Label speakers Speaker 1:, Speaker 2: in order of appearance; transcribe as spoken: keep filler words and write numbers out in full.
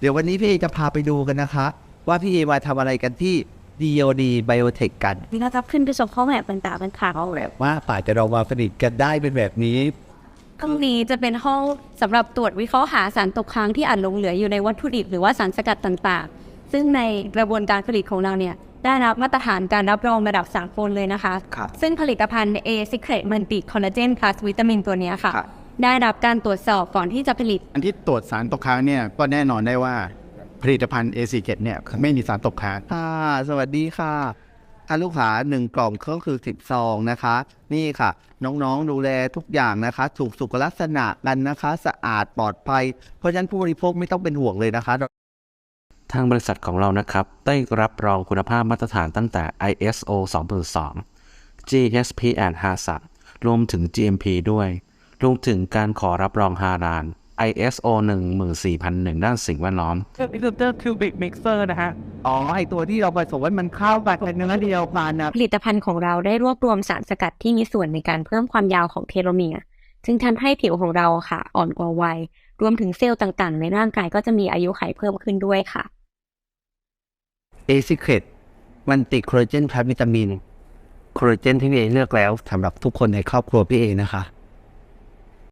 Speaker 1: ดี๋ยววันนี้พี่เอจะพาไปดูกันนะคะว่าพี่เอมาทำอะไรกันที่ ดี โอ ดี Biotech กัน
Speaker 2: นี่นะครับขึ้นไปชมข้อแบบต่างๆเป็นข่าว
Speaker 1: แบบว่าป่าจะเรามาผลิตกันได้เป็นแบบนี้
Speaker 2: ห้องนี้จะเป็นห้องสำหรับตรวจวิเคราะห์หาสารตกค้างที่อาจหลงเหลืออยู่ในวัตถุดิบหรือว่าสารสกัดต่างๆซึ่งในกระบวนการผลิตของเราเนี่ยได้รับมาตรฐานการรับรองระดับสากลเลยนะคะซึ่งผลิตภัณฑ์ A Secret Multi Collagen Plus วิตามินตัวนี้ค่ะได้รับการตรวจสอบก่อนที่จะผลิต
Speaker 3: อันที่ตรวจสารตกค้างเนี่ยก็แน่นอนได้ว่าผลิตภัณฑ์ เอ ซี เค อี เนี่ยไม่มีสารตกค้าง
Speaker 1: ค่ะสวัสดีค่ะท่านลูกค้าหนึ่งกล่องก็คือสิบซองนะคะนี่ค่ะน้องๆดูแลทุกอย่างนะคะถูกสุขลักษณะกันนะคะสะอาดปลอดภัยเพราะฉะนั้นผู้บริโภคไม่ต้องเป็นห่วงเลยนะคะ
Speaker 4: ทางบริษัทของเรานะครับได้รับรองคุณภาพมาตรฐานตั้งแต่ ไอ เอส โอ สองพันสอง จี เอส พี and ฮาซัด รวมถึง จี เอ็ม พี ด้วยรวมถึงการขอรับรองฮาลาล ไอ เอส โอ หนึ่งหมื่นสี่พันหนึ่ง ด้านสิ่งแวดล้อม
Speaker 5: เครื่องมิกเซอร์คิวบิกมิกเซอร์นะฮะ
Speaker 1: อ๋อไอตัวที่เราผสมมันเข้าไปเป็นเนื้อเดียวกันนะ
Speaker 2: ผลิตภัณฑ์ของเราได้รวบรวมสารสกัดที่มีส่วนในการเพิ่มความยาวของเทโลเมียร์จึงทำให้ผิวของเราค่ะอ่อนกว่าวัยรวมถึงเซลล์ต่างๆในร่างกายก็จะมีอายุขัยเพิ่มขึ้นด้วยค่ะ
Speaker 1: A Secret มันติดคอลลาเจนพลัสวิตามินคอลลาเจนที่พี่เอเลือกแล้วสำหรับทุกคนในครอบครัวพี่เอนะคะ